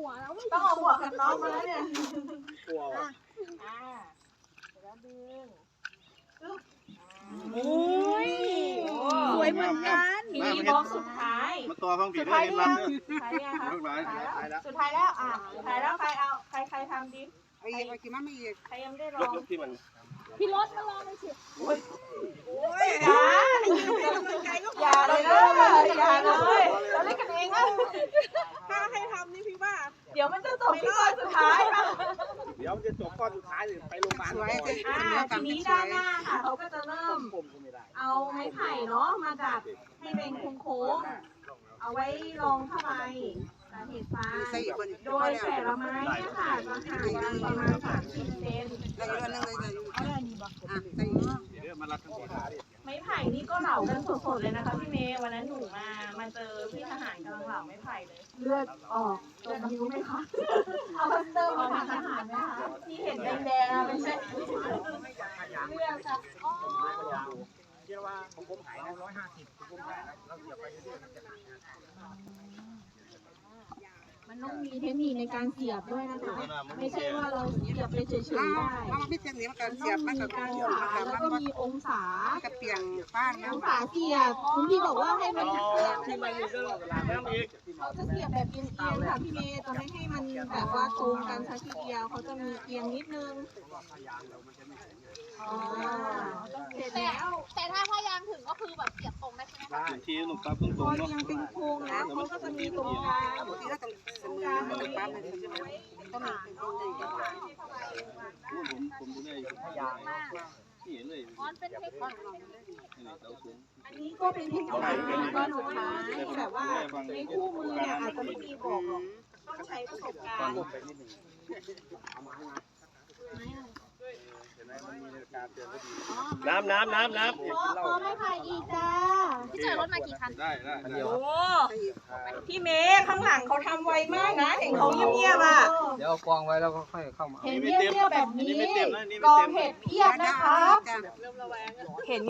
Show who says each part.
Speaker 1: หัวแล้วไม่
Speaker 2: ต้องเอาหมวกกันน็อกมาแล้วเนี่ย
Speaker 3: กลัวว่ะ
Speaker 2: แล้วดึง
Speaker 1: โอ้ยสวยเหมือนกัน
Speaker 2: ทีนี้บล็อกสุดท้าย
Speaker 3: มาตัวฟังผิ
Speaker 2: สุ
Speaker 3: ด
Speaker 2: ด
Speaker 3: ให้
Speaker 2: ท้าย
Speaker 3: เห็น
Speaker 2: หรือ
Speaker 3: รั
Speaker 2: ยั
Speaker 3: น
Speaker 2: ง
Speaker 3: เด้อ
Speaker 2: สุดท้ายยังคะ
Speaker 3: ลูกหลาน
Speaker 2: สุดท้ายแล้วสุดท้ายแล้วใครเอาใครทำดิ
Speaker 4: ไอ้กินมันไม่อีก
Speaker 2: ใครยังไม่ได้ล
Speaker 3: ย
Speaker 2: อก ง
Speaker 3: ที่มัน
Speaker 1: พี่รถมาลองเลยสิ
Speaker 2: อย่าเลยนะอย่าเลยเราเล่นกันเองนะ
Speaker 4: ถ้าให้ทำนี่พี่ว่า
Speaker 2: เดี๋ยวมันจะจบที่ข้อสุดท้ายป่ะ
Speaker 3: เดี๋ยวจะจบข้อสุดท้ายเลยไปโรงพยาบาล
Speaker 4: สวยสิ
Speaker 2: ทีนี้ด้านหน้าค่ะเขาก็จะเริ่ม
Speaker 3: ผมก็ไม่ได้
Speaker 2: เอาไม้ไผ่เนาะมาดัดให้เป็นโค้งๆเอาไว้รองผ้าใบสาเหตุฟ้าโดยแต่ละไม้เนี่ยค่ะจะห่างกันประมาณ30 เซน
Speaker 4: แล้วอีกอันนึงเลยเอาได้นี่บ่อ่ะใส่
Speaker 3: เดี๋ยวมารัดทั้งหมด
Speaker 2: ไม้ไผ่นี่ก็เหลากันสดๆเลยนะคะพี่เมย์วันนั้นหนูมาเจอพี่ทหารกำลังเหลาไม้ไผ่เลยเลือดออกตรงนิ้วไหมคะเอาพัสเตอร์มาทางทหารไหมคะที่เห็นแดงๆไม่ใช่เลือดค่ะ
Speaker 3: เชื่อว่าของผมหายนะ150ของผมหายนะเราเหยียบไปเรื่อยๆมันจะหายนะ
Speaker 1: มันต้องมีเทคนิคในการเสียบด้วยนะคะไม่ใช่ว่าเราเสียบไปเฉยๆได้
Speaker 4: ถ้ามันไม่เต็มนี้มันก็
Speaker 1: มัน
Speaker 4: เสียบ
Speaker 1: ต้
Speaker 4: มั
Speaker 1: อน ง
Speaker 4: ก็
Speaker 1: มีการ
Speaker 4: เสียบ
Speaker 1: สา
Speaker 4: มัน
Speaker 1: แล้ว
Speaker 4: ก็
Speaker 1: ก็มีองศา
Speaker 4: กระเปียงป้างนะ
Speaker 1: องศาเสียบคุณพี่บอกว่าให้มันเสียบ
Speaker 3: ที่มันเรื่องเวลาน้ำอีก
Speaker 1: เขาจะเสียบแบบเอียงๆค่ะพี่เมย์จะไม่ให้มันแบบว่าตรงกันสักทีเดียวเขาจะมีเอียงนิดนึงเสร็จแล้ว
Speaker 5: แต่ถ้าพยายามถึงก็คือแบบเสียบตรงได้ใช่ไหมคะ
Speaker 3: ถึงทีหนุ่มปั๊บตรง
Speaker 1: พอ
Speaker 3: ๆเนาะ
Speaker 1: เอียงเป็นโค้งแล้วเขาก็จะมีตรงกลาง
Speaker 4: ที่เราต้องเสมอมันป้ามันใช่ไหมก็มีเป็นตรงใดกัน
Speaker 3: ผมดูได้พยางนี่เลย
Speaker 5: มันเป็นเทคนิค
Speaker 3: นี่เราสูง
Speaker 1: อันนี้ก็เป็นเทคนิคการสุดท้ายแบบว่าในคู่มือเนี่ยอาจจะไม่มีบอกหรอกต้องใช้ประสบการณ์
Speaker 3: ไปนิดนึงน้ำ
Speaker 1: พอไม่พายอีกจ้า
Speaker 5: พี่เจอรถมากี่คัน
Speaker 3: ได้เดียว
Speaker 2: โอ้พี่เมย์ข้างหลังเขาทำไวมากนะเห็นเขาเงียบๆอ่ะ
Speaker 6: เดี๋ยวเอากองไว้แล้วก็ค่อยเข้ามา
Speaker 1: เห็นเรียบๆแบบนี้กองเห็ดเพียบนะครับ
Speaker 2: เห็น